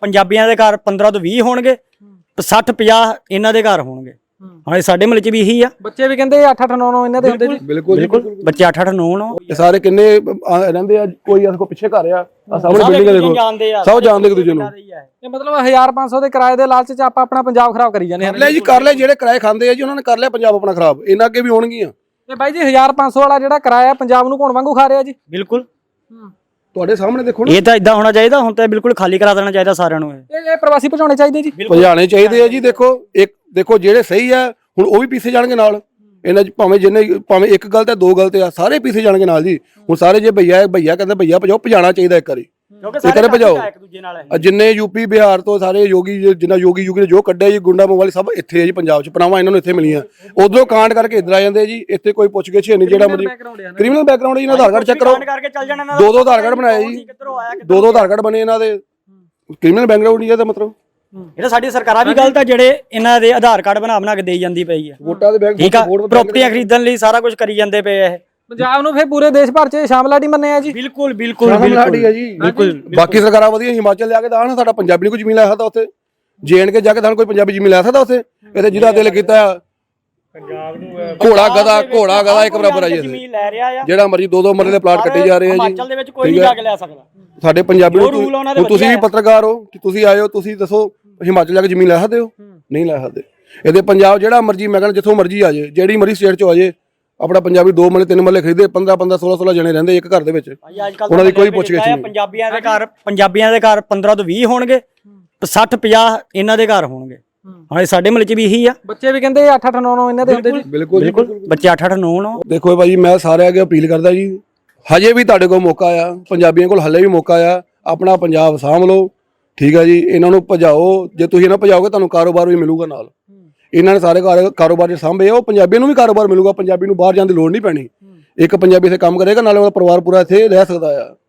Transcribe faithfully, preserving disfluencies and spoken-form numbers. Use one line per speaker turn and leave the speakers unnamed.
ਪੰਜਾਬੀਆਂ ਦੇ ਘਰ ਪੰਦਰਾਂ ਤੋਂ ਵੀਹ ਹੋਣਗੇ, ਸੱਠ ਪੰਜਾਹ ਇਹਨਾਂ ਦੇ ਘਰ ਹੋਣਗੇ। ਹਾਂ ਸਾਡੇ ਮਹੱਲੇ 'ਚ ਵੀ ਇਹੀ ਆ।
ਬੱਚੇ ਵੀ ਕਹਿੰਦੇ ਅੱਠ ਅੱਠ ਨੌ ਨੌ ਇਹਨਾਂ ਦੇ ਹੁੰਦੇ ਜੀ।
ਬਿਲਕੁਲ
ਬਿਲਕੁਲ ਬੱਚੇ ਅੱਠ ਅੱਠ ਨੌ ਨੌ
ਇਹ ਸਾਰੇ ਕਿੰਨੇ ਰਹਿੰਦੇ ਆ, ਕੋਈ ਇਸ ਕੋ ਪਿੱਛੇ ਘਰ ਆ ਸਾਹਮਣੇ ਬਿਲਡਿੰਗ ਦੇਖੋ, ਸਭ ਜਾਣਦੇ ਇੱਕ ਦੂਜੇ ਨੂੰ।
ਇਹ ਮਤਲਬ ਹਜ਼ਾਰ ਪੰਜ ਸੌ ਦੇ ਕਿਰਾਏ ਦੇ ਲਾਲਚ 'ਚ ਆਪਾਂ ਆਪਣਾ ਪੰਜਾਬ ਖਰਾਬ ਕਰੀ ਜਾਂਦੇ ਹਾਂ।
ਲੈ ਜੀ ਕਰ ਲੈ, ਜਿਹੜੇ ਕਿਰਾਏ ਖਾਂਦੇ ਆ ਜੀ ਉਹਨਾਂ ਨੇ ਕਰ ਲਿਆ ਪੰਜਾਬ ਆਪਣਾ ਖਰਾਬ, ਇਹਨਾਂ ਅੱਗੇ ਵੀ ਹੋਣਗੀਆਂ।
ਤੇ ਬਾਈ ਜੀ ਹਜ਼ਾਰ ਪੰਜ ਸੌ ਵਾਲਾ ਜਿਹੜਾ ਕਿਰਾਇਆ ਪੰਜਾਬ ਨੂੰ ਘੋਣ ਵਾਂਗੂ ਖਾ ਰਿਹਾ ਜੀ।
ਬਿਲਕੁਲ
ਤੁਹਾਡੇ ਸਾਹਮਣੇ ਦੇਖੋ ਨਾ,
ਇਹ ਤਾਂ ਇਦਾਂ ਹੋਣਾ ਚਾਹੀਦਾ। ਹੁਣ ਤਾਂ ਬਿਲਕੁਲ ਖਾਲੀ ਕਰਾ ਦੇਣਾ ਚਾਹੀਦਾ ਸਾਰਿਆਂ ਨੂੰ।
ਇਹ ਇਹ ਪ੍ਰਵਾਸੀ ਭਜਾਉਣੇ ਚਾਹੀਦੇ ਜੀ,
ਭਜਾਣੇ ਚਾਹੀਦੇ ਆ ਜੀ। ਦੇਖੋ ਇੱਕ ਦੇਖੋ ਜਿਹੜੇ ਸਹੀ ਆ ਹੁਣ ਉਹ ਵੀ ਪੀਸੇ ਜਾਣਗੇ ਨਾਲ ਇਹਨਾਂ 'ਚ, ਭਾਵੇਂ ਜਿੰਨੇ ਭਾਵੇਂ ਇੱਕ ਗਲਤ ਹੈ ਦੋ ਗਲਤ ਆ, ਸਾਰੇ ਪੀਸੇ ਜਾਣਗੇ ਨਾਲ ਜੀ। ਹੁਣ ਸਾਰੇ ਜੇ ਭਈਆ ਭਈਆ ਕਹਿੰਦੇ ਭਈਆ ਭਜਾਓ, ਭਜਾਣਾ ਚਾਹੀਦਾ ਇੱਕ ਵਾਰੀ, ਇੱਕ ਵਾਰੀ ਭਜਾਓ। ਜਿੰਨੇ ਯੂਪੀ ਬਿਹਾਰ ਤੋਂ ਸਾਰੇ ਯੋਗੀ, ਜਿੰਨਾ ਯੋਗੀ ਯੂਗੀ ਨੇ ਜੋ ਕੱਢਿਆ ਜੀ ਗੁੰਡਾ ਮੋਵਾਲੀ, ਸਭ ਇੱਥੇ ਆ ਜੀ ਪੰਜਾਬ 'ਚ। ਪਨਾਵਾਂ ਇਹਨਾਂ ਨੂੰ ਇੱਥੇ ਮਿਲੀਆਂ, ਉਧਰੋਂ ਕਾਂਡ ਕਰਕੇ ਇੱਧਰ ਆ ਜਾਂਦੇ ਜੀ। ਇੱਥੇ ਕੋਈ ਪੁੱਛ ਗਿੱਛ ਨਹੀਂ, ਜਿਹੜਾ ਮਰਜ਼ੀ ਕ੍ਰਿਮੀਨਲ ਬੈਕਗ੍ਰਾਉਂਡ ਜੀ, ਇਹਨਾਂ ਦਾ ਆਧਾਰ ਕਾਰਡ ਚੈੱਕ ਕਰੋ। ਦੋ ਦੋ ਆਧਾਰ ਕਾਰਡ ਬਣਾਏ ਜੀ, ਦੋ ਦੋ ਆਧਾਰ ਕਾਰਡ ਬਣੇ ਇਹਨਾਂ ਦੇ। ਕ੍ਰਿਮੀਨਲ ਬੈਕਗ੍ਰਾਉਂਡ ਨਹੀਂ ਇਹਦਾ ਮਤਲਬ।
ਇਹ ਤਾਂ ਸਾਡੀ ਸਰਕਾਰਾਂ ਵੀ ਗਲਤ ਆ, ਜਿਹੜੇ ਇਹਨਾਂ ਦੇ ਆਧਾਰ ਕਾਰਡ ਬਣਾ ਬਣਾ ਕੇ ਦੇਈ ਜਾਂਦੀ ਪਈ ਆ।
ਵੋਟਾਂ ਦੇ ਬੈਂਕ
ਠੀਕ ਆ, ਪ੍ਰਾਪਰਟੀਆਂ ਖਰੀਦਣ ਲਈ ਸਾਰਾ ਕੁਝ ਕਰੀ ਜਾਂਦੇ ਪਏ ਆ। ਇਹ
ਪੰਜਾਬ ਨੂੰ ਫਿਰ ਪੂਰੇ ਦੇਸ਼ ਭਰ 'ਚ ਸ਼ਾਮਲਾਟੀ ਮੰਨਿਆ ਜੀ।
ਬਿਲਕੁਲ ਬਿਲਕੁਲ
ਸ਼ਾਮਲਾਟੀ ਹੈ ਜੀ, ਬਿਲਕੁਲ। ਬਾਕੀ ਸਰਕਾਰਾਂ ਵਧੀਆ, ਹਿਮਾਚਲ ਲਿਆ ਕੇ ਤਾਂ ਨਾ ਸਾਡਾ ਪੰਜਾਬੀ ਨੂੰ ਕੋਈ ਜ਼ਮੀਨ ਲੈ ਸਕਦਾ ਉੱਥੇ, ਜੇ ਐਂਡ ਕੇ ਜਾ ਕੇ ਸਾਨੂੰ ਕੋਈ ਪੰਜਾਬੀ ਜ਼ਮੀਨ ਲੈ ਸਕਦਾ ਉੱਥੇ। ਇਹਦੇ ਜਿਹਦਾ ਦਿਲ ਕੀਤਾ ਪੰਜਾਬ ਨੂੰ ਘੋੜਾ ਗਦਾ ਘੋੜਾ ਗਦਾ ਇੱਕ ਬਰਾਬਰ ਆ ਜੀ।
ਜ਼ਮੀਨ ਲੈ ਰਿਹਾ ਆ,
ਜਿਹੜਾ ਮਰਜ਼ੀ ਦੋ ਦੋ ਮਰਲੇ ਦੇ ਪਲਾਟ ਕੱਟੇ ਜਾ ਰਹੇ ਆ ਜੀ।
ਹਿਮਾਚਲ ਦੇ ਵਿੱਚ ਕੋਈ ਨਹੀਂ ਜਾ ਕੇ ਲੈ ਸਕਦਾ।
ਸਾਡੇ ਪੰਜਾਬੀ ਨੂੰ, ਤੁਸੀਂ ਵੀ ਪੱਤਰਕਾਰ ਹੋ, ਤੁਸੀਂ ਆਏ ਹੋ, ਤੁਸੀਂ ਦੱਸੋ ਹਿਮਾਚਲ ਜਾ ਕੇ ਜ਼ਮੀਨ ਲੈ ਸਕਦੇ ਹੋ? ਨਹੀਂ ਲੈ ਸਕਦੇ। ਇਹਦੇ ਪੰਜਾਬ ਜਿਹੜਾ ਮਰਜ਼ੀ, ਮੈਂ ਕਹਿੰਦਾ ਜਿੱਥੋਂ ਮਰਜ਼ੀ ਆ ਜਾਏ, ਜਿਹੜੀ ਮਰਜ਼ੀ ਸਟੇਟ ਚੋਂ ਆ ਜਾਏ, ਆਪਣਾ ਪੰਜਾਬੀ ਦੋ ਮਰਲੇ ਤਿੰਨ ਮਰਲੇ ਖਰੀਦੇ, ਪੰਦਰਾਂ ਪੰਦਰਾਂ ਸੋਲਾਂ ਸੋਲਾਂ ਜਣੇ ਰਹਿੰਦੇ ਇੱਕ ਘਰ ਦੇ ਵਿੱਚ, ਉਹਨਾਂ ਦੀ ਕੋਈ ਪੁੱਛ ਗਿੱਛ ਨਹੀਂ।
ਪੰਜਾਬੀਆਂ ਦੇ ਘਰ ਪੰਜਾਬੀਆਂ ਦੇ ਘਰ ਪੰਦਰਾਂ ਤੋਂ ਵੀਹ ਹੋਣਗੇ, ਸੱਠ ਪੰਜਾਹ ਇਹਨਾਂ ਦੇ ਘਰ ਹੋਣਗੇ। ਹਾਂ ਸਾਡੇ ਮਹੱਲੇ 'ਚ ਵੀ ਇਹੀ ਆ।
ਬੱਚੇ ਵੀ ਕਹਿੰਦੇ ਅੱਠ ਅੱਠ ਨੌ ਨੌ ਇਹਨਾਂ ਦੇ ਹੁੰਦੇ ਜੀ।
ਬਿਲਕੁਲ
ਬਿਲਕੁਲ ਬੱਚੇ ਅੱਠ ਅੱਠ ਨੌ ਨੌ।
ਦੇਖੋ ਭਾਜੀ, ਮੈਂ ਸਾਰਿਆਂ ਅੱਗੇ ਅਪੀਲ ਕਰਦਾ ਜੀ, ਹਜੇ ਵੀ ਤੁਹਾਡੇ ਕੋਲ ਮੌਕਾ ਆ, ਪੰਜਾਬੀਆਂ ਕੋਲ ਹਲੇ ਵੀ ਮੌਕਾ ਆ, ਆਪਣਾ ਪੰਜਾਬ ਸਾਂਭ ਲਓ। ਠੀਕ ਆ ਜੀ, ਇਹਨਾਂ ਨੂੰ ਭਜਾਓ। ਜੇ ਤੁਸੀਂ ਇਹਨਾਂ ਭਜਾਓਗੇ ਤੁਹਾਨੂੰ ਕਾਰੋਬਾਰ ਵੀ ਮਿਲੂਗਾ ਨਾਲ। ਇਹਨਾਂ ਨੇ ਸਾਰੇ ਕਾਰੋਬਾਰ ਸਾਂਭੇ, ਉਹ ਪੰਜਾਬੀਆਂ ਨੂੰ ਵੀ ਕਾਰੋਬਾਰ ਮਿਲੂਗਾ। ਪੰਜਾਬੀ ਨੂੰ ਬਾਹਰ ਜਾਣ ਦੀ ਲੋੜ ਨਹੀਂ ਪੈਣੀ। ਇੱਕ ਪੰਜਾਬੀ ਇੱਥੇ ਕੰਮ ਕਰੇਗਾ, ਨਾਲੇ ਉਹਦਾ ਪਰਿਵਾਰ ਪੂਰਾ ਇੱਥੇ ਰਹਿ ਸਕਦਾ ਆ।